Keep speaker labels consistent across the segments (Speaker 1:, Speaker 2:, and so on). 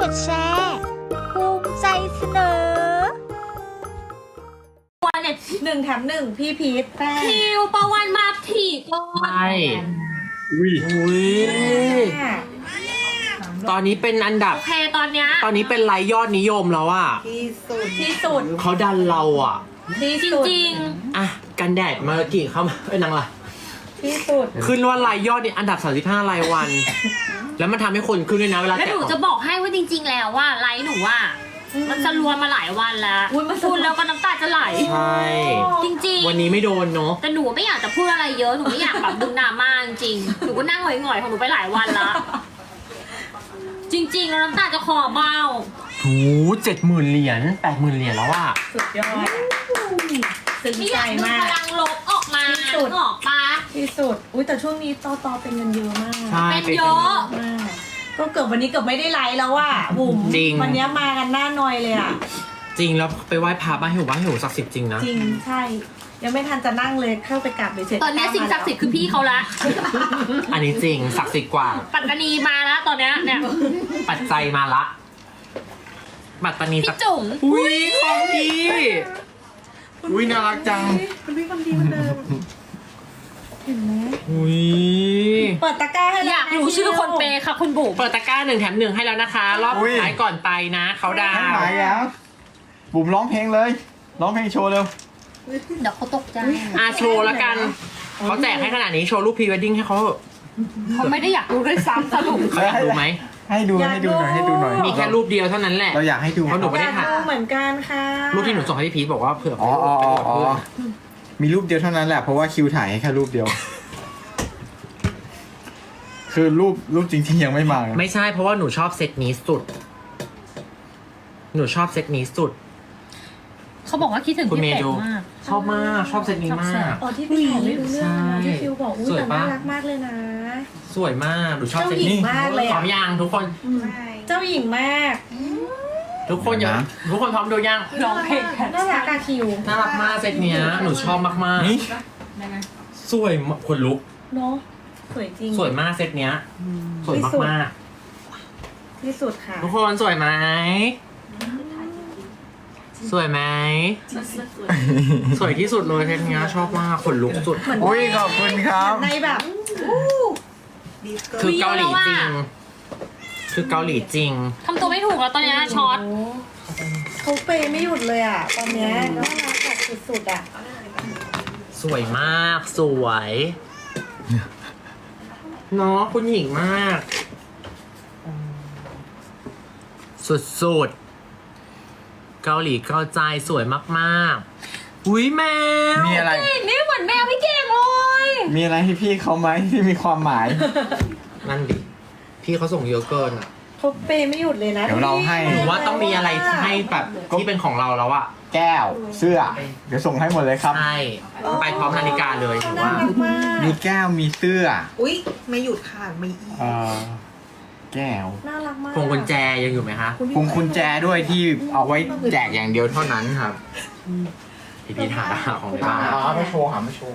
Speaker 1: ดแชร์ภูมิใจเสนอ
Speaker 2: วันเนี่ย
Speaker 3: 1 แถม 1พี่พีทแป้ง
Speaker 2: คิวประวันมาถี่ก่อน
Speaker 4: ใช่อุ้ยตอนนี้เป็นอันดับ
Speaker 2: โอเคตอนเนี้ย
Speaker 4: ตอนนี้เป็นไลค์ยอดนิยมแล้วอะ
Speaker 3: ที่สุด
Speaker 4: เขาดันเราอะ
Speaker 3: ที่
Speaker 2: จ
Speaker 3: สุด
Speaker 2: ริง
Speaker 4: อ่ะกันแดดมากี่เข้ามานางล่ะ
Speaker 3: ที่สุด
Speaker 4: ขึ้นว่าไลค์ยอดนี่อันดับ35รายวัน แล้วมันทำให้คนขึ้นด้วยนะเวลา
Speaker 2: ๆแล้ว
Speaker 4: แกะ
Speaker 2: หนูจะบอกให้ว่าจริง ๆ แล้วว่าไลฟ์หนูว่ามันจะรวนมาหลายวันแล้ว
Speaker 3: อุ๊ยมัน
Speaker 2: พูดแล้วก็น้ำตาจะไหล
Speaker 4: ใช่
Speaker 2: จริงๆ
Speaker 4: วันนี้ไม่โดนเนาะ
Speaker 2: แต่หนูไม่อยากจะพูดอะไรเยอะหนูไม่อยากแบบดึงดราม่าจริงๆหนูก็นั่งหงอยๆของหนูไปหลายวันละจริงๆแล้วน้ำตาจะคอเบ้า
Speaker 4: โห70,000 เหรียญ80,000 เหรียญแล้วอะ
Speaker 3: สุดยอดซึ้ง
Speaker 2: ไม่อ
Speaker 3: ใจ
Speaker 2: ยากดึง
Speaker 3: มา
Speaker 2: พ
Speaker 3: ก
Speaker 2: ลังลบออกมา
Speaker 3: ที่สุด
Speaker 2: ออกปะ
Speaker 3: ที่สุดอุ้ยแต่ช่วงนี้ต่อเป็นเงินเยอะมาก
Speaker 4: ใช่
Speaker 2: เป็นเยอะ
Speaker 3: มากก็เกือบวันนี้เกือบไม่ได้ไลฟ์แล้วอ่ะบุ๋ม
Speaker 4: จริง
Speaker 3: วันนี้มากันหน้าหน่อยเลยอ่ะ
Speaker 4: จริงแล้วไปไหว้พระบ้านหิวศักดิ์สิทธิ์จริงนะ
Speaker 3: จริงใช่ ยังไม่ทันจะนั่งเลยเข้าไปกราบเลยเสร็จ
Speaker 2: ตอนนี้สิ่งศักดิ์สิทธิ์คือพี่เขาละ
Speaker 4: อันนี้จริงศักดิ์สิทธิ์กว่า
Speaker 2: ปัตตานีมาแล้วตอนเนี้ยเนี่ย
Speaker 4: ปัจจัยมาละปัตตานี
Speaker 2: พี่จุ๋ม
Speaker 4: อุ้ยของดี
Speaker 5: อุ้ยน่ารักจัง
Speaker 3: คุณพี่ความดีเหมือนเดิมเห็นไหม
Speaker 4: อุ้ย
Speaker 3: เปิดตะกร้าให้แล้ว
Speaker 2: อยากรู้ชื่อคนเปย์ค่ะคุณบุ๋ม
Speaker 4: เปิดตะกร้า1 แถม 1ให้แล้วนะคะ รอบ
Speaker 5: อุ้
Speaker 4: สุ
Speaker 5: ย
Speaker 4: ดท้ายก่อนไปนะเขาดา
Speaker 5: ให้
Speaker 4: ว
Speaker 5: หายแล้วบุ๋มร้องเพลงเลย ร้องเพลงโชว์เร็ว
Speaker 2: เดี๋ยวเขาตกใจ
Speaker 4: โชว์แล้วกันเขาแจกให้ขนาดนี้โชว์รูปพรีเวดดิ้งให้เขาเถอะ
Speaker 2: เขาไม่ได้อยากรู้ด้วยซ้ำสรุป
Speaker 4: เขาอยากดูไหม
Speaker 5: ให้ดูให้ดูหน่อยให้ดูหน่อย
Speaker 4: มีแค่รูปเดียวเท่านั้นแหละ
Speaker 5: เราอยากให้ดู
Speaker 4: เพราะหนูไม่ได้
Speaker 3: อยากดูเหมือนกันค่ะ
Speaker 4: รูปที่หนูส่งให้พี่พีทบอกว่าเผื่อ
Speaker 5: อ๋ออ๋ออ๋ออ๋อมีรูปเดียวเท่านั้นแหละเพราะว่าคิวถ่ายให้แค่รูปเดียว คือรูปจริงๆยังไม่มา
Speaker 4: ไม่ใช่เพราะว่าหนูชอบเซตนี้สุด หนูชอบเซตนี้สุด
Speaker 2: เขาบอกว่าคิดถึง
Speaker 4: คุณ
Speaker 2: พี่
Speaker 4: เมย์
Speaker 2: เป็ด
Speaker 4: ดู
Speaker 2: มาก
Speaker 4: ชอบมากชอบเซตนี้มาก
Speaker 3: อ๋อที่พี่บอกไม่รู้เรื่องนะที่ฟิวบอกอุ้ย
Speaker 4: สวย
Speaker 3: แต่
Speaker 4: ปะ
Speaker 3: น่ารักมากเลยนะ
Speaker 4: สวยมากหนูชอบ
Speaker 3: เจ้า
Speaker 4: เซต
Speaker 3: หญิ
Speaker 4: นี้
Speaker 3: งมากเลย
Speaker 4: พร้อ
Speaker 3: อ่ะ
Speaker 4: มยังทุกคน
Speaker 3: เจ้าหญิงมาก
Speaker 4: ทุกคนอย่าทุกคนพร้อมดูยัง
Speaker 2: ร้องเพลงกัน
Speaker 3: น่ารักอะคิว
Speaker 4: น่ารักมากเซตเนี้ยหนูชอบมาก
Speaker 5: นี่
Speaker 4: ๆสวยมากคนลุก
Speaker 3: เนาะสวยจริง
Speaker 4: สวยมากเซตเนี้ยสวยมาก
Speaker 3: ที่สุดค่ะ
Speaker 4: ๆทุกคนสวยไหมสวยไหมสวยที่สุดเลยเซตเนี้ยชอบมากคนลุกสุด
Speaker 3: เหมือน
Speaker 5: อุ้ยขอบคุณครับ
Speaker 3: ในแบบ
Speaker 4: คือเกาหลีจริง คือเกาหลีจริง
Speaker 2: ทำตัวไม่ถูกแล้วตอนเนี้ยช็อต
Speaker 3: เขาเปย์ไม่หยุดเลยอ่ะ ตอนเนี้ยน่ารักแบบสุดๆอ่ะ
Speaker 4: สวยมากสวยเนาะคุณหญิงมาก สุดๆเกาหลีเกาใจสวยมากๆอุ้ยแมว
Speaker 5: มีอะไร
Speaker 2: นี่เหมือนแมวพี่เก่งเลย
Speaker 5: มีอะไรให้พี่เขาไหมที่มีความหมาย
Speaker 4: นั่นดิพี่เขาส่งเยอะเกินอ่ะ
Speaker 3: เขาเปย์ไม่หยุดเลยนะ
Speaker 5: เดี๋ยวเราให้
Speaker 4: หนูว่าต้องมีอะไรให้แบบที่เป็นของเราแล้วอะ
Speaker 5: แก้ว เสื้อ เดี๋ยวส่งให้หมดเลยครับ
Speaker 4: ใช่ไปพร้อมนาฬิกาเลยหนู
Speaker 3: น่า
Speaker 4: ว่า
Speaker 3: รักมาก
Speaker 5: มีแก้วมีเสื้อ
Speaker 6: อุ๊ย ไม่หยุดค่ะมีอีก
Speaker 5: เอ่อแก้ว
Speaker 3: น่ารักมาก
Speaker 4: พวงกุญแจยังอยู่ไหมคะ
Speaker 5: พวงกุญแจด้วยที่เอาไว้แจกอย่างเดียวเท่านั้นครับ
Speaker 4: พี่หาของในบ้าน
Speaker 5: อ๋อไม่โชว์หาไม่โชว์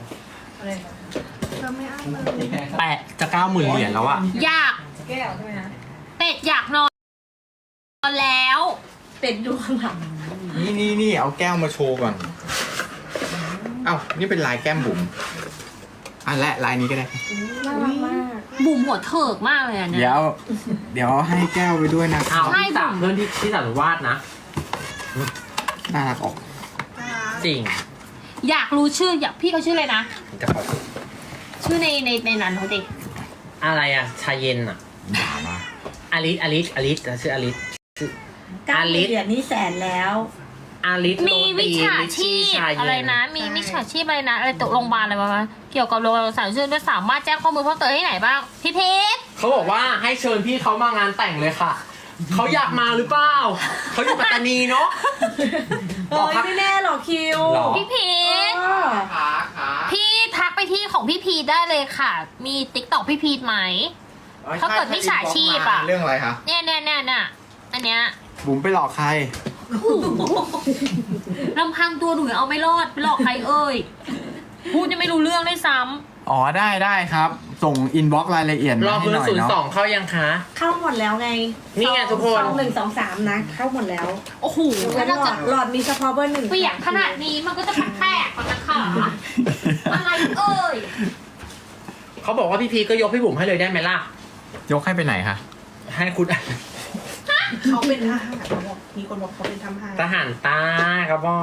Speaker 4: แปะจะ90,000 เหรียญแล้วอะ
Speaker 2: อยากเป็ดอยากนอนแล้ว
Speaker 3: เป็ดดูข้างหลัง
Speaker 5: นี่เอาแก้วมาโชว์ก่อน เอ้านี่เป็นลายแก้มบุ๋มอ่ะและลายนี้ก็ได้
Speaker 3: น่ารักมาก
Speaker 2: บุ๋มหัวเถิกมากเลยอ่ะเนี่ย
Speaker 5: เดี๋ยวให้แก้วไปด้วยนะค
Speaker 4: เอา
Speaker 5: รับ
Speaker 4: ที่สามเพื่อนที่สามวาดนะ
Speaker 5: น่ารักออก
Speaker 4: จริง
Speaker 2: อยากรู้ชื่ออยากพี่เขาชื่ออะไรนะ
Speaker 5: จะขอ
Speaker 2: ชื่อในนั้นเขาดิ
Speaker 4: อะไรอะชาเย็นอะ
Speaker 5: ด่ามา
Speaker 4: อลิสชื่ออลิส
Speaker 3: 9 เหรียญนี่แสนแล้ว
Speaker 4: อลิส
Speaker 2: มีวิชาชีพ
Speaker 4: ชาเย็น
Speaker 2: อะไรนะ มีวิชาชีพอะไรนะอะไรตกโรงพยาบาลอะไรวะเกี่ยวกับโรงพยาบาลสารชื่อด้วยสามารถแจ้งข้อมูลเพิ่มเติมให้ไหนบ้างพี่เพชร
Speaker 4: เขาบอกว่าให้เชิญพี่เขามางานแต่งเลยค่ะ เขาอยากมาหรือเปล่าเขาอยู่ปัตตานีเนาะ
Speaker 3: เอ้ยไม่แน่หรอกคิว
Speaker 4: หรอ
Speaker 2: พี่เพชร
Speaker 3: เออ
Speaker 2: พี่ทักไปที่ของพี่พีทได้เลยค่ะ มีติ๊กต็อกพี่พีทไหม ถ้าเกิดมิจฉาชีพอะ
Speaker 5: เรื่องอะไรคะ
Speaker 2: เนี่ยอันเนี้ย
Speaker 5: บุ๋มไปหลอกใคร
Speaker 2: ลำพังตัวหนูยังเอาไม่รอดไปหลอกใครเอ่ยพูดยังไม่รู้เรื่องด้วยซ้
Speaker 5: อ๋อได้ครับ ส่งอินบ็อกซ์รายละเอียด
Speaker 4: ร
Speaker 5: มา
Speaker 4: อบ
Speaker 5: ให้
Speaker 4: เบอ
Speaker 5: หน่
Speaker 4: ร์
Speaker 5: อย
Speaker 4: ศูนย์
Speaker 5: เนาะ
Speaker 4: สองเข้ายังคะ
Speaker 3: เข้าหมดแล้วไง
Speaker 4: นี่ไงทุกคน
Speaker 3: ซอง1 2 3นะ เข้าหมดแล้ว
Speaker 2: โอ้โห
Speaker 3: แล้
Speaker 2: แล้ว ว
Speaker 3: หล
Speaker 2: เรา
Speaker 3: อ
Speaker 2: จะ
Speaker 3: ดหลอดมีเฉพาะเบอร์ 1
Speaker 2: เปียกขนาดนี้มันก็จะแตกๆก่อนนะคะอะไรเอ่ย
Speaker 4: เขาบอกว่าพี่พีก็ยกพี่บุ๋มให้เลยได้ไหมล่ะ
Speaker 5: ยกให้ไปไหนคะ
Speaker 4: ให้คุณ
Speaker 6: เขาเป็นทหารเขาบอกมีคนบอกเขาเป็นทหาร
Speaker 4: ทหารใต้ครับพ่อ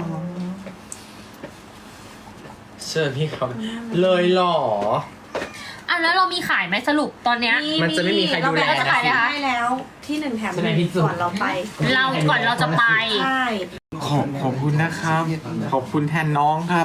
Speaker 4: เชิญพี่เขาเลยเหรอ
Speaker 2: อ่ะแล้วเรามีขายไหมสรุปตอนเนี้ย
Speaker 4: มันจะไม่มีใครดูแล
Speaker 2: เราจะขายไหมคะ
Speaker 3: ให้แล้วที่1แถม
Speaker 4: ใช่ไหมพี่
Speaker 3: 1
Speaker 4: สุ
Speaker 3: ก่อนเราไป
Speaker 2: เราก่อนเราจะไป
Speaker 3: ใช่
Speaker 5: ขอบคุณนะครับ ขอบคุณแทนน้องครับ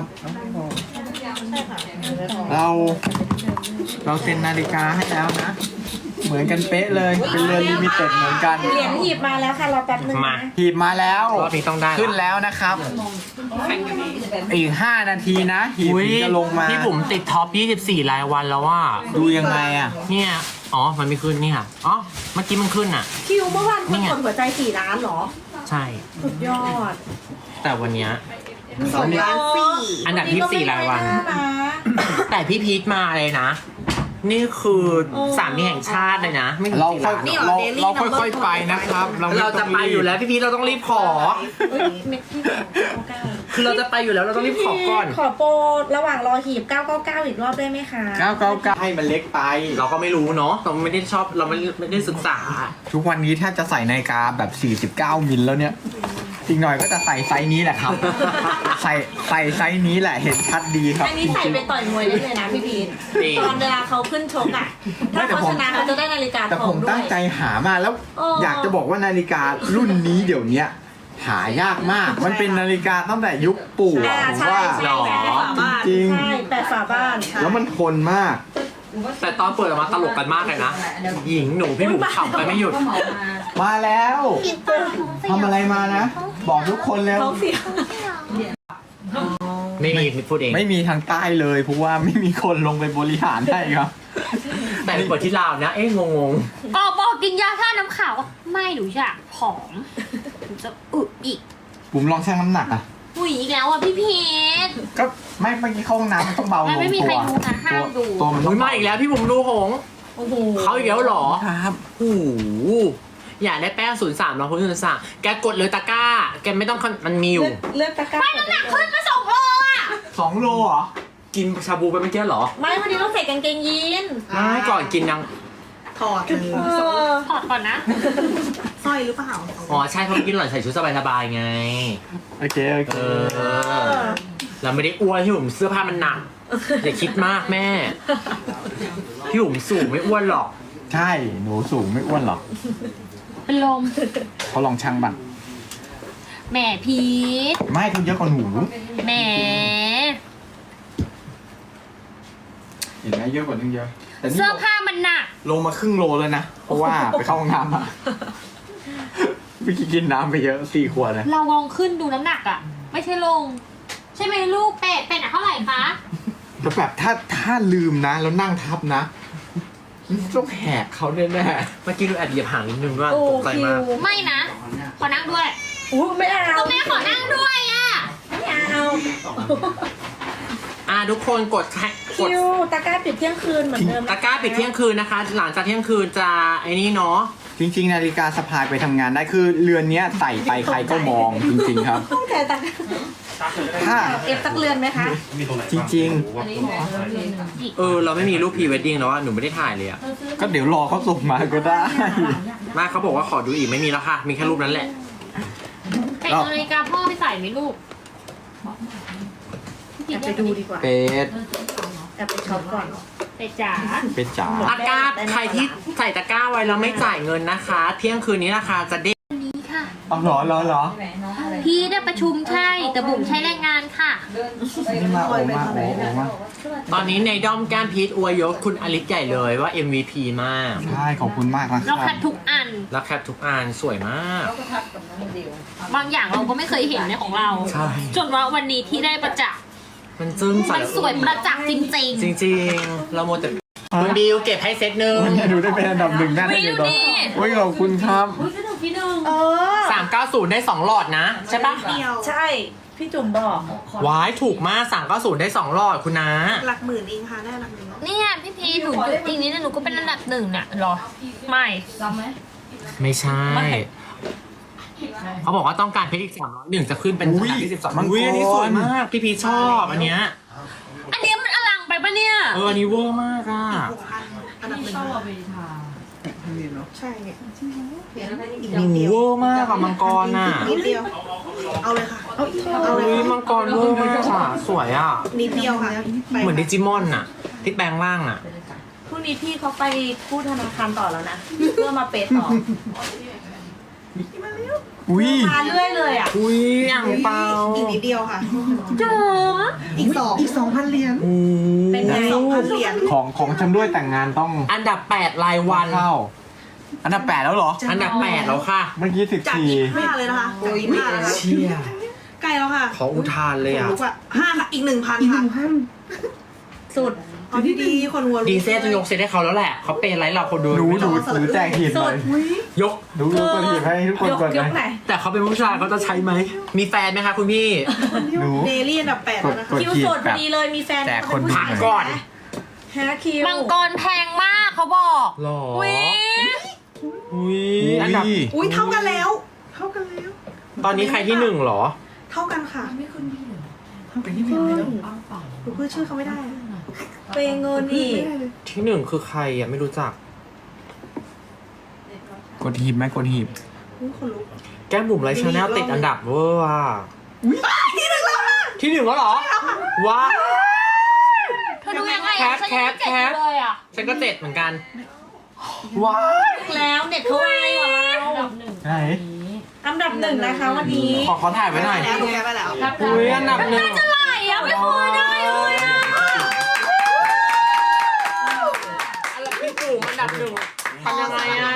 Speaker 5: เราเซ็นนาฬิกาให้แล้วนะ เหมือนกันเป๊ะเลย เป็นเรือนลิมิเต็ดเหมือนกัน
Speaker 3: เหรียญหีบมาแล้วค่ะรอแป๊บนึง
Speaker 4: มา
Speaker 3: นะ
Speaker 5: หีบมาแล้ว
Speaker 4: รอบนี้ต้องได้ละ
Speaker 5: ขึ้นแล้วนะครับ อีก 5 นาทีนะหีบ
Speaker 4: อุ๊ย
Speaker 5: ถึงจะลงมา
Speaker 4: พี่บุ๋มติดท็อป 24 รายวันแล้วว่า
Speaker 5: ดูยังไงอ่ะ
Speaker 4: เนี่ย อ๋อ มันไม่ขึ้นนี่ค่ะ อ๋อ เมื่อกี้มันขึ้นอ่ะ
Speaker 3: คิวเมื่อวานคน
Speaker 4: นี่ไง
Speaker 3: กดหัวใจ4 ล้านเหรอ
Speaker 4: ใช่
Speaker 3: สุดยอด
Speaker 4: แต่วันเนี้ย
Speaker 6: 2 ล้าน
Speaker 4: อันดับที่4รายวัน
Speaker 3: ก็ไม่ได้นะ
Speaker 4: แต่พี่พีทมาเลยนะ นี่คือสามีแห่งชาติเลยนะไม่ถึง
Speaker 5: เรา
Speaker 4: 4
Speaker 5: ค่อย
Speaker 4: ล้าน
Speaker 5: เราค่อยๆไปนะครับ ไม่
Speaker 4: เราจะ
Speaker 5: ต้อง
Speaker 4: ไป
Speaker 5: รีบ
Speaker 4: อยู่แล้วพี่พีทเราต้องรีบขอ
Speaker 3: เอ้ยเม็ดที่999
Speaker 4: คือเราจะไปอยู่แล้วเราต้องรีบขอก่อน
Speaker 3: ขอโปรระหว่างรอหีบ999อีกรอบได้ไหมคะ
Speaker 5: 999ให้มันเล็กไป
Speaker 4: เราก็ไม่รู้เนาะเราไม่ได้ชอบเราไม่ได้ศึกษา
Speaker 5: ทุกวันนี้แทบจะใส่นาฬิกาแบบ 49 มิลแล้วเนี่ย อีกหน่อยก็จะใส่ไซส์นี้แหละครับ ใส่ไซส์นี้แหละ เห็นชัดดีครับ
Speaker 3: อันนี้ใส่ไปต่อยมวยได้เลยนะพี่พีท
Speaker 4: จริง
Speaker 3: ตอนเวลาเขาขึ้นชกอ่ะ ถ้าเขาชนะเขาจะได้นาฬิกา
Speaker 5: แต่
Speaker 3: ทอ
Speaker 5: ผ
Speaker 3: ง
Speaker 5: ม
Speaker 3: ด้ว
Speaker 5: ตั้
Speaker 3: ย
Speaker 5: งใจหามาแล้ว
Speaker 3: โอ้
Speaker 5: อยากจะบอกว่านาฬิการุ่นนี้เดี๋ยวเนี้ยหายากมาก มันเป็นนาฬิกาตั้งแต่ยุคปู่อะ
Speaker 3: อ่า
Speaker 5: ผม
Speaker 3: ใช่
Speaker 5: ว่า
Speaker 3: ใช่
Speaker 4: หรอ
Speaker 5: จริง
Speaker 3: ใช่แปดฝาบ้าน
Speaker 5: ๆแล้วมันทนมาก
Speaker 4: แต่ตอนเปิดออกมาตลกกันมากเลยนะ หญิงหนูพี่บุ๋มขำไปไม่หยุด
Speaker 5: มาแล้วทำอะไรมานะ บอกทุกคนแล้ว
Speaker 3: ท้องเสีย
Speaker 4: ไม่มีพูดเอง
Speaker 5: ไม่มีทางใต้เลยเพราะว่าไม่มีคนลงไปบริหารให้ครับ
Speaker 4: แต่เปิดที่ลาวนะ เอ๊ะงง
Speaker 2: บอกกินยาท่าน้ำขาวไม่หนูอยากผอมหนูจะอึอีก
Speaker 5: ผมลองชั่งน้ำหนักอ่ะ
Speaker 2: อุ้ยอีกแล้วอ่ะพี่พีท
Speaker 5: ก็ไม่เมื่อกี้เข้าห้องน้ำมันต้องเบาลง
Speaker 2: ไม่มี
Speaker 5: ตัว
Speaker 2: ใครดูนะห้ามดู
Speaker 5: ตัวมัน
Speaker 4: ๆ
Speaker 5: ต้
Speaker 4: อุ้
Speaker 5: อย ง
Speaker 4: มาอีกแล้วพี่บุ๋มดูหง
Speaker 3: โอ้โห
Speaker 4: เขาอีกแล้วเหรอ
Speaker 5: ครับ
Speaker 4: โอ้โหอยากได้แป้ง03เราคุณ03แกกดเลยตะกร้า แกไม่ต้องมันมีอยู่
Speaker 3: เลือกตะกร้า
Speaker 2: ไม่น้ำหนักขึ้นมา2 โลอ่ะ
Speaker 5: 2 โลเหรอ
Speaker 4: กินชาบูไปเมื่อกี้เหรอ
Speaker 3: ไม่วันนี้ต้องใส่กางเกงยีน
Speaker 4: ไม่ก่อนกินยัง
Speaker 6: ถอดเลย
Speaker 3: เออ
Speaker 2: ถอดก่อนนะ
Speaker 6: สร้อยหรือเปล่า
Speaker 4: อ๋อใช่เพราะกินหล่อนใส่ชุดสบายๆไง
Speaker 5: โอเคโอเค
Speaker 4: เราไม่ได้อ้วนพี่บุ๋มเสื้อผ้ามันหนัก อย่าคิดมากแม่ พี่บุ๋มสูงไม่อ้วนหรอก
Speaker 5: ใช่หนูสูงไม่อ้วนหรอก
Speaker 2: เป็นลม
Speaker 5: เขาลองชั่งบัง
Speaker 2: แหมพีท
Speaker 5: ไม่คุณเยอะกว่าหนู
Speaker 2: แหม
Speaker 5: เห็นไหมเยอะกว่านึงเยอะแต่นี่
Speaker 2: เสื้อผ้ามันหนัก
Speaker 5: ลงมาครึ่งโลแล้วนะ เพราะว่าไปเข้าห้องน้ำมาเมื่อกี้กินน้ำไปเยอะ4 ขวดนะ
Speaker 2: เราลองขึ้นดูน้ำหนักอ่ะ ไม่ใช่ลง ใช่ไหมลูกเป็ดอ่ะเท่าไหร่คะ
Speaker 5: แต่แบบถ้าลืมนะ แล้วนั่งทับนะต้องแหกเขาแน่
Speaker 4: เมื่อกี้ดูแอบเหยียบหางนิดนึงว่า
Speaker 3: โอ้
Speaker 4: ตกใจ
Speaker 3: คิ
Speaker 4: มาก
Speaker 3: ว
Speaker 2: ไม่นะ ขอนั่งด้วย
Speaker 3: อู้ไม่เอา
Speaker 2: ก็แม่ขอนั่งด้วยอ่ะ
Speaker 3: ไม่เอา
Speaker 4: ทุกคนกด
Speaker 3: คิวตะกร้าปิดเที่ยงคืนเหมือนเดิม
Speaker 4: ตะกร้าปิดเที่ยงคืนนะคะ หลังจากเที่ยงคืนจะไอ้นี่เนาะ
Speaker 5: ๆจริง ๆ นาฬิกาสะพายไปทำงานได้คือเรือนเนี้ยใส่ไปใครก็มองจริง ๆ ครับ
Speaker 3: ต้องแต่ตะกร้า
Speaker 5: ถ้า
Speaker 3: เอฟสักเรือนไหมคะ
Speaker 5: จริง
Speaker 4: เราไม่มีรูปพรีเวดดิ้งแล้วอะหนูไม่ได้ถ่ายเลยอะ
Speaker 5: ๆ ก็เดี๋ยวรอเขาส่งมาก็ได้
Speaker 4: มาเขาบอกว่าขอดูอีกไม่มีแล้วค่ะ มีแค่รูปนั้นแหละ
Speaker 2: เป็ดนาฬิกาพ่อไปใส่ไหมลูก
Speaker 3: แอบไปดูดีกว่า
Speaker 5: เป็ด
Speaker 3: แอบไปช็อปก่อน
Speaker 2: เป็ดจ๋า
Speaker 5: เป็ดจ๋า
Speaker 4: ตะกร้าใครที่ใส่ตะกร้าไว้แล้วไม่จ่ายเงินนะคะ เที่ยงคืนนี้ราคาจะเด้ง
Speaker 2: วันนี้ค่ะ
Speaker 5: เอาเหรอ
Speaker 2: พี่ได้ประชุมใช่ แต่บุ๋มใช้แรงงานค่ะ
Speaker 5: นี่มาโอมา
Speaker 4: ตอนนี้ในด้อมแก้มพีทอวยยศคุณอลิสใหญ่เลยว่า MVP มาก
Speaker 5: ใช่ขอบคุณมากนะค
Speaker 2: เรา
Speaker 5: รับ
Speaker 2: คัดทุกอัน
Speaker 4: แล้วแคปทุกอันสวยมาก
Speaker 2: บางอย่างเราก็ไม่เคยเห็นในของเรา
Speaker 4: ใช่
Speaker 2: จนว่าวันนี้ที่ได้ประจักษ์
Speaker 4: มันจึ้งใส่
Speaker 2: มันสวยประจักษ์จริง
Speaker 4: จริงๆ เราโมแต่คุณบิวเก็บให้เซตหนึ่ง
Speaker 5: วันนี้ดูได้เป็นอันดับ1แน่
Speaker 2: ๆ
Speaker 5: เล
Speaker 2: วิ
Speaker 5: ยว เดี๋ยว
Speaker 2: นี่
Speaker 5: โอ้ยขอบคุณครับ
Speaker 2: สนุกพี่หนึ่ง
Speaker 3: เออ
Speaker 4: 390 ได้ 2 หลอดนะ ใช่ปะ
Speaker 6: เดียว
Speaker 3: ใช่พี่จุ๋มบอก
Speaker 4: วายถูกมากสั่ง90ได้2หลอดคุณนะ
Speaker 6: หลักหมื่นเองค่ะได้หลักหมื่น
Speaker 2: เนี่ยพี่พีหนูจุดจริงนี้นะหนูก็เป็นอันดับหนึ่งน่ะหรอ ไม่
Speaker 4: ไม่ใช่ เขาบอกว่าต้องการเพชรอีก301จะขึ้นเป็นอันดับที่12
Speaker 5: มังกร
Speaker 4: อุ้ยอันนี้สวยมากพี่พีชชอบอันเนี้ย
Speaker 2: อันนี้มันอลังไปปะเนี่ย
Speaker 4: อันนี้เวอร์มากอ่ะ
Speaker 6: 6,000อันดับหนึ่งใช่เนี่ยอีก
Speaker 4: โอ้
Speaker 6: นิด
Speaker 4: โห
Speaker 6: เดียว
Speaker 4: เวอร์มากอะมังกรน่ะ
Speaker 6: นิดเดียว เอาเลยค่ะ เอาเลย
Speaker 4: อุ้ย
Speaker 6: ค่ะ
Speaker 4: มังกรเวอร์มากอ่ะสวยอ่ะ
Speaker 6: นิดเดียวค่ะไป
Speaker 4: เหมือนดิจิมอนน่ะที่แปลงร่างอ่ะ
Speaker 3: พรุ่งนี้พี่เขาไปกู้ธนาคารต่อแล้วนะ เพื่อมาเปย์ต่อ
Speaker 5: อุ้ย
Speaker 3: มาเรื่อยเลยอ่ะ
Speaker 4: อุ้ยอ่างเปา
Speaker 6: อีกนิดเดียวค่ะ
Speaker 2: จ๋อ
Speaker 6: อีก 2,000 เหรียญ
Speaker 4: โอ้
Speaker 3: เป็นไง
Speaker 6: 2,000 เหรียญ
Speaker 5: ของชำร่วยแต่งงานต้อง
Speaker 4: อันดับ8รายวัน
Speaker 5: เข้า อันดับ 8 แล้วเหรอ
Speaker 4: อันดับ8แล้วค่ะ
Speaker 5: เมื่อกี้
Speaker 6: จาก
Speaker 5: 14
Speaker 6: 25เลยนะคะจาก25แล้วนะ
Speaker 4: เชี่ย
Speaker 6: ใกล้แล้วค่ะ
Speaker 4: ขออุทานเลยอ่ะ
Speaker 6: รู้ป่ะ5ค่ะอีก 1,000 ค่ะ
Speaker 3: สุด
Speaker 6: เอาดีๆคนหัวรู้
Speaker 4: ดีเซลจะยกเซตให้เขาแล้วแหละเขาเป็นไลฟ์เราคนดู
Speaker 5: หนูแจกหีบหน่อย
Speaker 4: ยก
Speaker 5: หนูตัวหีบให้ทุกคน
Speaker 3: ยก
Speaker 5: ก่อน
Speaker 3: ย
Speaker 5: เล
Speaker 3: ก
Speaker 5: ย
Speaker 3: ไหน
Speaker 4: แต่เขาเป็นผู้ชายเขาจะใช้ไหม มีแฟนไหมคะคุณพี่
Speaker 5: หนู
Speaker 6: เดลี่อันดับ8แล้วนะคะ
Speaker 5: กด
Speaker 3: คิวสดพอดีเลยมีแฟน
Speaker 5: แจกคน
Speaker 3: เป็ผู้
Speaker 4: ผ่าน
Speaker 3: ชาย
Speaker 4: ก่อน
Speaker 3: ฮะคิว
Speaker 2: มังกรแพงมากเขาบอก
Speaker 4: หรอ
Speaker 2: วิ
Speaker 4: อุ้ยอันดับ
Speaker 6: อุ้ยเท่ากันแล้ว เท่ากันแล้ว
Speaker 4: ตอนนี้ใครที่1เหรอ
Speaker 6: เท่ากันค่ะไม่ขึ้นพี่เลยเท่ากันที่1เลยหนูเพื่อชื่อเขาไม่ได้อะ
Speaker 3: เปย์เงินนี่
Speaker 6: ไม่ได้เลย
Speaker 4: ที่1คือใครอ่ะไม่รู้จัก
Speaker 5: กดหีบไหมกดหีบ
Speaker 6: อุ๊ยคนลุก
Speaker 4: แก้มบุ๋มไลฟ์ชาแนลติดอันดับเวอร์อ่ะที่หนึ่งแล้วเหรอว้าว
Speaker 2: เธอดูยังไง
Speaker 4: แค
Speaker 2: อะ
Speaker 4: ป
Speaker 2: ฉัน
Speaker 4: แค
Speaker 2: ยัง
Speaker 4: ป
Speaker 2: ไม่เจ็บ
Speaker 4: แคป
Speaker 2: เลยอ่ะ
Speaker 4: ฉันก็7เหมือนกัน
Speaker 5: ว้าว
Speaker 3: แล้วเน็ตเขาไวกว่าเรา
Speaker 5: ไหน
Speaker 3: อันดับ1นะคะวันนี้
Speaker 4: ขอถ่ายไว้หน่อย
Speaker 6: แล้วดูแกไปแล้ว
Speaker 4: อุ้ยอันดับ1
Speaker 2: จะไหลอ่ะไม่เคยได้เลยอ่ะ
Speaker 4: อันดับพี่จุ๋มอันดับ1ทำยังไงอ่ะ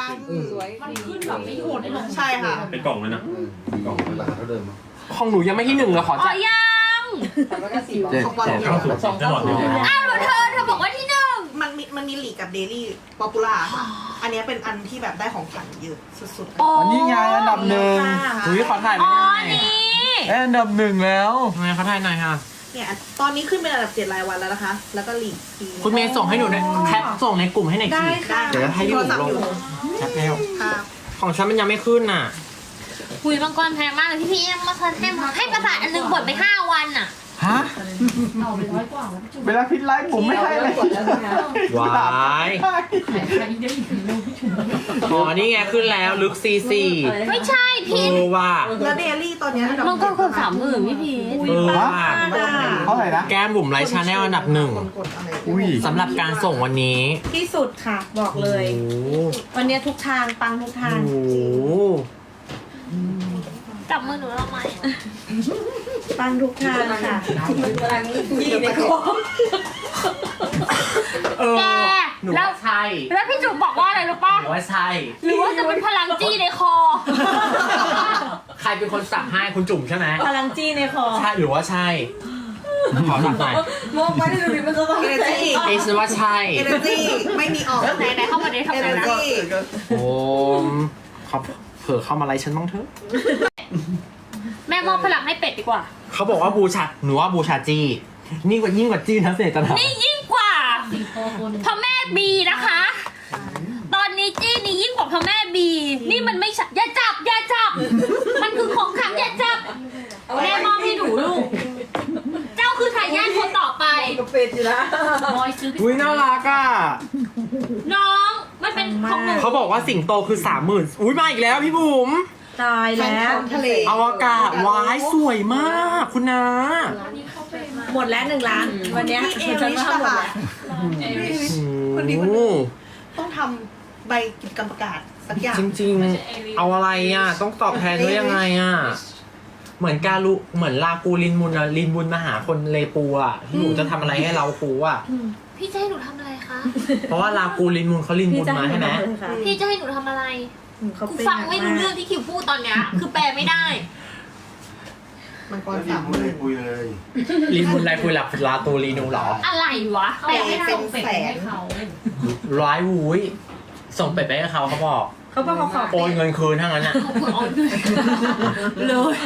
Speaker 6: ใช่ค่ะ
Speaker 7: เป็นกล่องเลยนะ
Speaker 8: กล่องราคาเท่าเดิม
Speaker 4: ของหนูยังไม่ที่1เลยขอ
Speaker 2: อ๋อ
Speaker 4: จ่าย
Speaker 2: ยัง
Speaker 5: เจ็ด
Speaker 6: ของบอล
Speaker 5: เจ็ด
Speaker 7: จะหลอดเดียว
Speaker 2: อ้าวแล้วเธอบอกว่าที่หนึ่ง
Speaker 6: มันมีลีกกับเดลี่ป๊อปปูล่าค่ะ อันเนี้ยเป็นอันที่แบบได้ของขวัญเยอะสุดๆ
Speaker 2: อ๋อ
Speaker 5: วันนี้ไงอันดับหนึ่ง
Speaker 4: อุ้ยขอถ่าย
Speaker 2: อ๋
Speaker 4: ไว้
Speaker 2: อ
Speaker 4: หน่อย
Speaker 2: นี่
Speaker 5: ได้อันดับ 1 แล้ว
Speaker 4: ทำไมเขาถ่ายหน่อยค่ะ
Speaker 6: เนี่ยตอนนี้ขึ้นเป็นอันดับ7 รายวันแล้วนะคะ แล้วก็ลีกปี
Speaker 4: คุณเมย์ส่งให้หนูด้วยแคปส่งในกลุ่มให้หน่อย
Speaker 3: ได้
Speaker 4: สิ
Speaker 3: ค่ะ
Speaker 4: เดี๋ยวให้พี่
Speaker 6: โท
Speaker 4: บุ๋
Speaker 6: ร
Speaker 4: ม
Speaker 6: ศัพ
Speaker 4: ล
Speaker 6: ท์
Speaker 4: ง
Speaker 6: อยู่
Speaker 4: แคปแล้ว
Speaker 6: ค่ะ
Speaker 4: ของฉันมันยังไม่ขึ้นน่ะ
Speaker 2: คุยมังกรแพงมากเลยพี่เอ็มมาให้ประสาทอันหนึงบดไป5 วันอ่ะ
Speaker 5: ฮะเวลาพิดไลฟ์ผมไม่ให้เลย
Speaker 4: วายอ๋อนี่ไงขึ้นแล้วลึกซีซี
Speaker 2: ไม่ใช่พีท
Speaker 4: ว่า
Speaker 6: แล้วเดลี่ตอนเนี้ยอันดับ
Speaker 2: มังกรคน30,000พี่พีท
Speaker 4: ว่า
Speaker 5: เท่าไหร่นะ
Speaker 4: แก้มบุ๋มไลฟ์ชาแนลอันดับ
Speaker 6: คนกดอะไร
Speaker 5: อุ้ย
Speaker 4: 1สำหรับการส่งวันนี้
Speaker 3: ที่สุดค่ะ บอกเลย
Speaker 4: โอ้โห
Speaker 3: วันนี้ทุกทางปังทุกทาง
Speaker 4: โอ้โห
Speaker 2: จับมือหนูทำไม
Speaker 3: ปังทุกทางค่ะยี่ในคอ
Speaker 4: เออ
Speaker 2: แก
Speaker 4: หนู
Speaker 2: แล้ว
Speaker 4: ว่าใช่
Speaker 2: แล้วพี่จุ๋มบอกว่าอะไรรู้ป่ะ
Speaker 4: หนูว่าใช่
Speaker 2: หรือว่าจะเป็นพลังจี้ในคอ
Speaker 4: ใครเป็นคนสั่งให้คุณจุ๋มใช่ไหม
Speaker 3: พลังจี้ในคอ
Speaker 4: ใช่หรือว่าใช่ขอหลักหน่อย
Speaker 3: มองไปได้ดูดิมันจะต้อง
Speaker 6: เอเนจี
Speaker 4: เอสว่าใช่
Speaker 6: เอเนจีไม่มีออก
Speaker 2: ไหนเข้ามาดิทำ
Speaker 6: เอ
Speaker 2: ไง
Speaker 6: เน
Speaker 2: นะ
Speaker 6: จี
Speaker 4: โอ้มเขาเผื่อเข้ามาไลฟ์ฉันบ้างเถอะ
Speaker 2: แม่มอบพลังให้เป็ดดีกว่า
Speaker 4: เขาบอกว่าบูชาหนูว่าบูชาจี้ยิ่งกว่าจี้นะเสน่ห์จันทร์
Speaker 2: นี่ยิ่งกว่าพระแม่บีนะคะ ตอนนี้จี้นี่ยิ่งกว่าพระแม่บี นี่มันไม่ใช่อย่าจับ มันคือของขลังอย่าจับแม่มอบให้หนูลูก เจ้าคือทายาทคนต่อไปเป็ดอยู่นะ
Speaker 4: อุ้ยน่ารักอ่ะ
Speaker 2: น้องมันเป็นของหนู
Speaker 4: เขาบอกว่าสิงโตคือ30,000อุ้ยมาอีกแล้วพี่บุ๋ม
Speaker 3: ตายแล้ว
Speaker 6: ทะเล
Speaker 4: อวกาศวายสวยมากคุณนา
Speaker 3: หมดแล้ว1 ล้าน วันเนี้ย
Speaker 6: พี่เอ
Speaker 3: ฉัน
Speaker 6: ริช
Speaker 3: ว่าหมด
Speaker 6: ค่ะ
Speaker 3: แล้ว
Speaker 6: คนดีคนนึง ต้องทำใบกิจกรรมประกาศสักอย่าง
Speaker 4: จริงๆ เอาอะไรอ่ะ ต้องตอบแทนด้วยยังไงอ่ะ เหมือนการุเหมือนลากูลินมุนอะลินบุญมาหาคนเลปูอ่ะที่หนูจะทำอะไรให้เราครูอ่ะ
Speaker 2: พี่จะให้หนูทำอะไรคะ
Speaker 4: เพราะว่าลากูลินมุนเขาลินบุญมาใช่ไหม
Speaker 2: พี่จะให้หนูทำอะไร
Speaker 3: เขา
Speaker 2: กู
Speaker 3: เป็น
Speaker 2: ฟังไม่รู้เรื่องที่คิวพูดตอนเนี้ย คือแปลไม่ได้
Speaker 6: มันก็
Speaker 8: ไม่
Speaker 6: 30,000
Speaker 8: ได้คุยเลย
Speaker 4: ลินบุญอะไรคุยหลับลากูลินูเหรอ
Speaker 2: อะไรวะ
Speaker 6: แต่เป็นแสน
Speaker 4: ร้ายวุ้ยส่งเป็ดไปให้เขาเขาบอก
Speaker 3: เขาบอกเขาขอ
Speaker 4: โอนเงินคืนทั้งนั้นอ่ะ
Speaker 2: เลย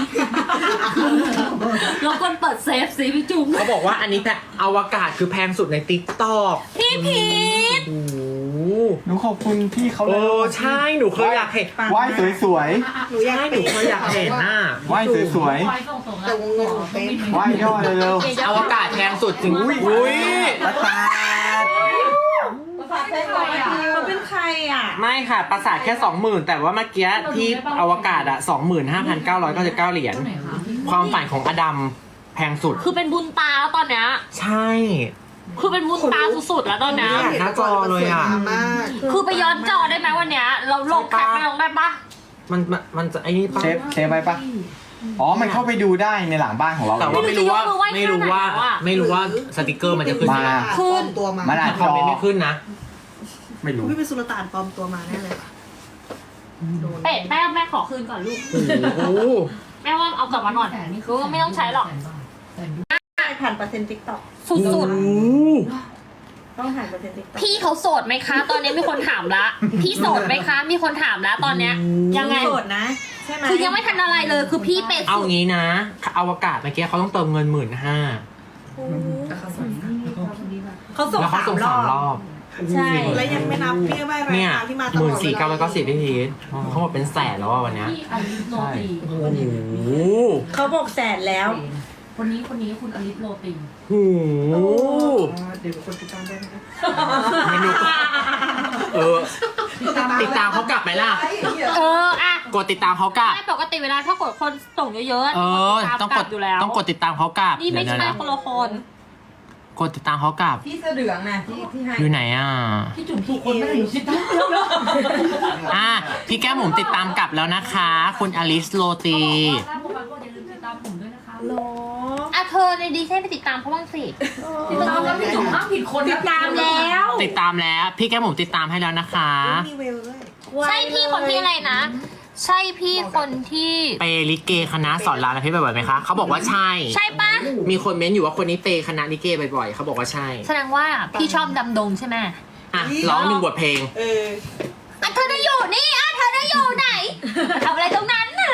Speaker 2: เราควรเปิดเซฟสิพี่จุ๋ม
Speaker 4: เขาบอกว่าอันนี้อวกาศคือแพงสุดในติ๊กต็อก
Speaker 2: พี่พีท
Speaker 4: โอ้โห
Speaker 5: หนูขอบคุณพี่เขาเล
Speaker 4: โอ้
Speaker 5: ย
Speaker 4: ใช่หนูเคยอยากเห็น
Speaker 5: ว่ายสวย
Speaker 6: หนูอยาก
Speaker 4: ใช่ห
Speaker 6: เป็
Speaker 4: นู
Speaker 6: น
Speaker 4: เคยอยากเห็นน่ะ
Speaker 5: ๆว่ายสวย
Speaker 6: แต่วงเงินหนูเป็น
Speaker 5: ๆว่ายย่อเร็ว
Speaker 4: อวกาศแพงสุดจริงอุ้ย
Speaker 5: ๆประสาท
Speaker 3: เขาเป็นใครอ่ะ
Speaker 4: ไม่ค่ะประสาทแค่ 20,000 แต่ว่าเมื่อกี้ที่อวกาศอะ 25,999 เหรียญความฝันของอดัมแพงสุด
Speaker 2: คือเป็นบุญตาแล้วตอนเนี้ย
Speaker 4: ใช่
Speaker 2: คือเป็นบุญตาสุดๆแล้วตอนเนี้ย
Speaker 4: หน้าจอเลยอะ
Speaker 6: สวงามมาก
Speaker 2: คือไปย้อนจอได้ไหมวันเนี้ย เราลงแคปไปลงได้ปะ
Speaker 4: มันจะไอ้นี่ปะ
Speaker 5: เซฟไว้ปะอ๋อ มันเข้าไปดูได้ในหลังบ้านของเรา
Speaker 4: แต่ว่าไม่รู้ว่าสติกเกอร์มันจะขึ้นไหม
Speaker 5: มา
Speaker 6: ปลอมตัวมา
Speaker 5: มันอาจ
Speaker 4: คอมเมนต์ไม่ขึ้นนะ
Speaker 5: ไม่รู้
Speaker 6: พี่เป็นสุลต่านปลอมตัวมาแน่เลยค่ะโดน
Speaker 2: เอ๊ะแม่ขอคืนก่อนลูก
Speaker 4: โอ้โห
Speaker 2: แม่ว่าเอากลับมาหน่อยรู้ว่าไม่ต้องใช้หรอก
Speaker 3: ผ่านเปอร์เซ็นต์ติ๊กต็อก
Speaker 2: สุด
Speaker 3: ต้องผ่านเปอร์เซ็นต์ติ๊กต็อก
Speaker 2: ๆ พี่เขาโสดไหมคะ ตอนนี้มีคนถามละ พี่โสดไหมคะ มีคนถามละตอนเนี้ย ยังไง
Speaker 3: โสดนะ ใช่ไหม
Speaker 2: คือยังไม่ทันอะไรเลย คือพี่เป็น
Speaker 4: เอา
Speaker 2: สุด
Speaker 4: งี้นะอวกาศเมื่อกี้เขาต้องเติมเงิน 15,000
Speaker 3: เขาส่ง
Speaker 4: แล้วเขาส่ง
Speaker 3: 3
Speaker 4: 3
Speaker 3: ร
Speaker 4: ร
Speaker 3: อ
Speaker 4: อบ บ
Speaker 3: ใช่
Speaker 6: และยังไม่นับพี่ใบราย
Speaker 4: เนี่ย
Speaker 6: การที่มาตลอดเวลา
Speaker 4: 14,990พี่พีทเขาบอกเป็นแสนแล้วอะวันเนี้ย
Speaker 7: พี่อลิสโรตี
Speaker 4: โอ้โห
Speaker 3: เขาบอกแสนแล้ว
Speaker 7: คนนี้คุณอลิสโรตี
Speaker 4: โอ้โห
Speaker 6: เดี๋ยวคนติดตามได้ไหมคะ
Speaker 4: เมนูติดตามเขากลับไหมล่ะ
Speaker 2: อะ
Speaker 4: กดติดตามเขากลับ
Speaker 2: ไม่ปกติเวลาถ้ากดคนส่งเยอะๆ
Speaker 4: ต้องกด
Speaker 2: อยู่แล้ว
Speaker 4: ต้องกดติดตามเขากลับ
Speaker 2: นี่ไม่
Speaker 4: เดี๋ยว
Speaker 2: ใช่
Speaker 4: นะ
Speaker 2: คนละคน
Speaker 4: กดติดตามเขากลับ
Speaker 3: พี่เสื้อเหลืองนะที่ให้
Speaker 4: อยู่ไหนอ่ะ
Speaker 7: พี่จุ๋มถูกคนไม่ได้หนูคิดตั้งเยอะ
Speaker 4: พี่แก้มหมุมติดตามกลับแล้วนะคะ คุณอลิสโรตี
Speaker 7: ถ้าผมไปก็อย่าลืมติดตามผมด้วยนะคะ
Speaker 3: หรอ
Speaker 2: อ่ะเธอในดีใช่ไปติดตามเขาบ้างสิ
Speaker 7: ติดตามแล้วพี่จุ๋มห้ามผิดคน
Speaker 3: ติดตามแล้ว
Speaker 4: ติดตามแล้วพี่แก้มหมุมติดตามให้แล้วนะคะ
Speaker 6: มีเวลด้วย
Speaker 2: ใช่พี่คนที่อะไรนะ ใช่พี่คนที่
Speaker 4: เปลิเกคณะสอนรามและพี่บ่อยๆไหมคะเขาบอกว่าใช่
Speaker 2: ใช่ปะ
Speaker 4: มีคนเม้นอยู่ว่าคนนี้เปคณะลิเกบ่อยๆเขาบอกว่าใช่
Speaker 2: แสดงว่าพี่ชอบดำดงใช่ไหม
Speaker 4: อ่ะร้อง1 บทเพลง
Speaker 2: อ่ะเธอจะอยู่นี่อ่ะเธอจะอยู่ไหนทำอะไรตรงนั้นน่ะ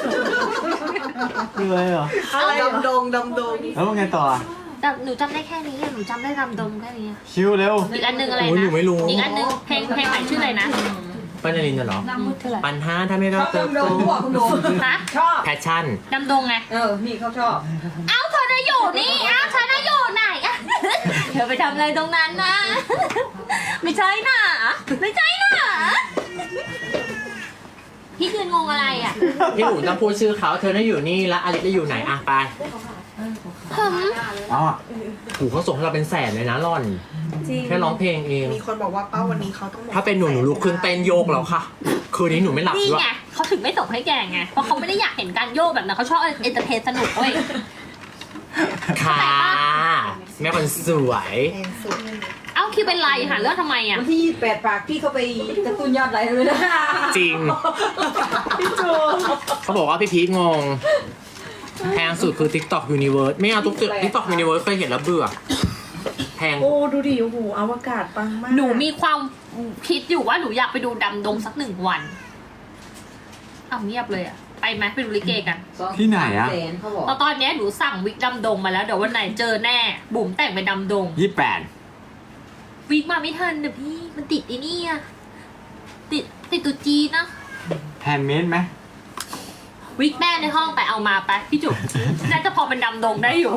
Speaker 5: คืออะไรเหรอ
Speaker 6: ดำดง
Speaker 5: แล้วว่าไงต่ออ่ะ
Speaker 2: หนูจำได้แค่นี้อะหนูจำได้ดำดงแค่นี้อะ
Speaker 5: ชิวเร็ว
Speaker 2: อีกอันนึงอะไร
Speaker 4: โอ้ยหนู
Speaker 2: นะ
Speaker 4: ไม่รู้
Speaker 2: อีกอันนึงเพลงใหม่ชื่ออะไรนะ
Speaker 4: ปัญญาลินเหรอ
Speaker 2: ชื่ออะไร
Speaker 4: ปัญหาถ้าไม่รักเติบโต
Speaker 2: ฮะ
Speaker 3: ชอบ
Speaker 4: แพชชั่น
Speaker 2: ดำดงไง
Speaker 3: นี่เขาชอบ
Speaker 2: เอ้าเธอจะอยู่นี่เอ้าเธอจะอยู่ไหนอ่ะ เธอไปทำอะไรตรงนั้นนะ ไม่ใช่น่ะไม่ใช่น่ะพี่ยืนงงอะไรอ่ะ
Speaker 4: พี่หนูต้องพูดชื่อเขาเธอได้อยู่นี่แล้วอลิสจะอยู่ไหนอ่ะไป
Speaker 2: ผม
Speaker 5: อ๋อ
Speaker 4: หูเขาส่งให้เราเป็นแสนเลยนะร่อน
Speaker 3: จริง
Speaker 4: แค่ร้องเพลงเอง
Speaker 6: มีคนบอกว่าเป้าวันนี้เขาต้อง
Speaker 4: ถ้าเป็นหนูลุกขึ้นเต้นโยกแล้วค่ะ คืนนี้หนูไม่หลับ
Speaker 2: นี่
Speaker 4: ด้วย
Speaker 2: ไงเขาถึงไม่ส่งให้แกไงเพราะเขาไม่ได้อยากเห็นการโยกแบบนั้นเขาชอบเอนเตอร์เทนสนุกเว้ย
Speaker 4: ค่ะแม่คนสวย
Speaker 6: แพงสุด
Speaker 2: เอ้าคิวเป็นไรหาเรื่องทำไมอ่ะ
Speaker 3: วันที่28ฝากพี่เขาไปกระตุ้นยอดไลค์เลยนะ
Speaker 4: จริง
Speaker 3: พี่จู
Speaker 4: เขาบอกว่าพี่พีทงง แพงสุดคือ TikTok Universe ไม่เอาTikTok Universe เคยเห็นแล้วเบื่อ แพง
Speaker 3: โอ้ดูดิโอ้โหอวกาศปังมาก
Speaker 2: หนูมีความคิดอยู่ว่าหนูอยากไปดูดำดงสัก1 วันอ้าวเงียบเลยอ่ะไปไหมไปดูลิเกกัน
Speaker 5: ที่ไหนอ่ะ
Speaker 2: ตอนเนี้ยหนูสั่งวิกดำดงมาแล้วเดี๋ยววันไหนเจอแน่ บุ๋มแต่งเป็นดำดง
Speaker 5: 28
Speaker 2: วิกมาไม่ทันเดี๋ยวพี่มันติดไอ้นี่อะติดตัวจีนนะ
Speaker 5: แฮนด์เมดไหม
Speaker 2: วิกแม่ในห้องไปเอามาไปพี่จุ๋มน่าจะพอเป็นดำดงได้อยู่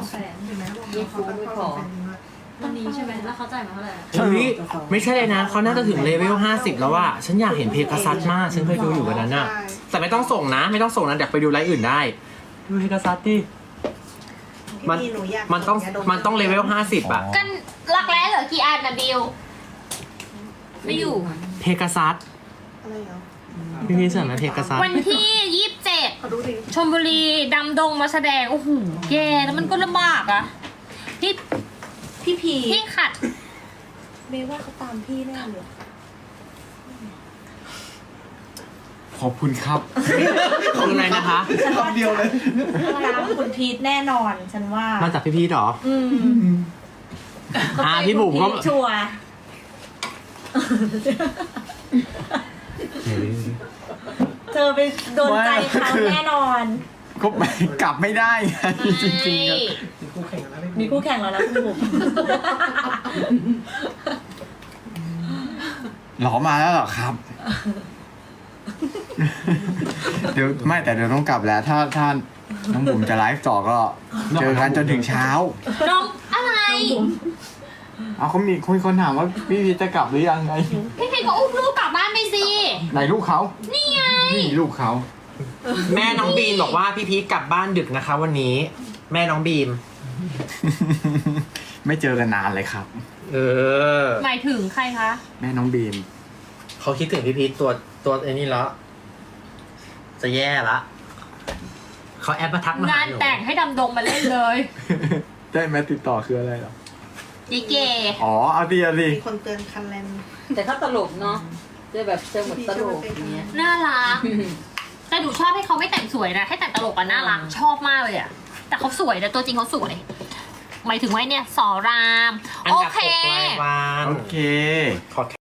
Speaker 7: วันนี้ใช่ไหมแล้วเขาจ่ายมาเท่าไหร่
Speaker 4: เฮ้ยไม่ใช่เลยนะ เขาน่าจะถึงเลเวล 50 แล้วว่า ฉันอยากเห็นเพกาซัสมาก ฉันเคยดูอยู่วันนั้นน่ะ แต่ไม่ต้องส่งนะ ไม่ต้องส่งนะเดี๋ยวไปดูไลฟ์อื่นได้ ดูเพกาซัสดิ มัน
Speaker 6: พี่หนูอยาก
Speaker 4: มันต้องเลเวล 50 อ่ะ
Speaker 2: กันรักแร้เหลือกี่อันนะบิวไม่อยู่
Speaker 4: เพกาซัส
Speaker 6: อะไรเหรอ
Speaker 4: พี่พี่เสนอเพกาซัส
Speaker 2: วันที่27
Speaker 6: ขอดูดิ
Speaker 2: ชลบุรีดำดงมาแสดงโอ้โหแย่แล้วมันก็ลำบากอะพี่
Speaker 3: พี่พี
Speaker 2: พี่ขัด
Speaker 3: เมย์ว่าเขาตามพี่แน่เลย
Speaker 5: ขอบคุณครับ
Speaker 4: คืออะไรนะคะ
Speaker 5: คำเดียวเลย
Speaker 3: ตามคุณพีทแน่นอนฉันว่า
Speaker 4: มาจากพี่พี่หรอ พี่บุ๋มก็
Speaker 3: ชัวร์เธอไปโดนใจเขาแน่นอน
Speaker 5: ก็ไม่กลับไม่ได้ไงจริงๆอะ
Speaker 3: มีคู่แข่งแล้วนะคุณบุ๋ม
Speaker 5: หรอมาแล้วเหรอครับ เดี๋ยวไม่แต่เดี๋ยวต้องกลับแล้ว ถ้าน้องบุ๋มจะไลฟ์ต่อก็เจอกันจนถึงเช้า
Speaker 2: น้องอะไร
Speaker 5: เอาเขามีคนถามว่าพี่พีชจะกลับหรือยังไง
Speaker 2: พี่เพชรก็อุ้มลูกกลับบ้านไปสิ
Speaker 5: ไหนลูกเขา
Speaker 2: นี่ไง
Speaker 5: นี่ลูกเขา
Speaker 4: แม่น้องบีมบอกว่าพี่พีคกลับบ้านดึกนะคะ วันนี้ แม่น้องบีม
Speaker 5: ไม่เจอกันนานเลยครับ
Speaker 4: เออ
Speaker 2: หมายถึงใครคะ
Speaker 5: แม่น้องบีม
Speaker 4: เขาคิดถึงพี่พีคตัวไอ้นี่แล้วจะแย่ละเขาแอปมาทักมาหาง
Speaker 2: าน
Speaker 4: หนู
Speaker 2: แต่งให้ดำดงมาเล่นเลย
Speaker 5: ได้ไหมติดต่อคืออะไรเหรอ
Speaker 2: ดีเก
Speaker 5: อ๋อเอาดิเอาดิ
Speaker 6: มีคนเตือนคันแลน
Speaker 9: แต่เขาตลกเนาะจะแบบเจอหมดตลกอย่างเงี้ย
Speaker 2: น่ารัก แต่หนูชอบให้เขาไม่แต่งสวยนะ ให้แต่งตลกอะน่ารัก ชอบมากเลยอะแต่เขาสวยนะตัวจริงเขาสวย หมายถึงว่าเนี่ยสอราม
Speaker 4: อัน
Speaker 2: โอ
Speaker 4: ดับ
Speaker 2: เค
Speaker 4: 6 รายวัน
Speaker 5: โอเค
Speaker 4: ขอ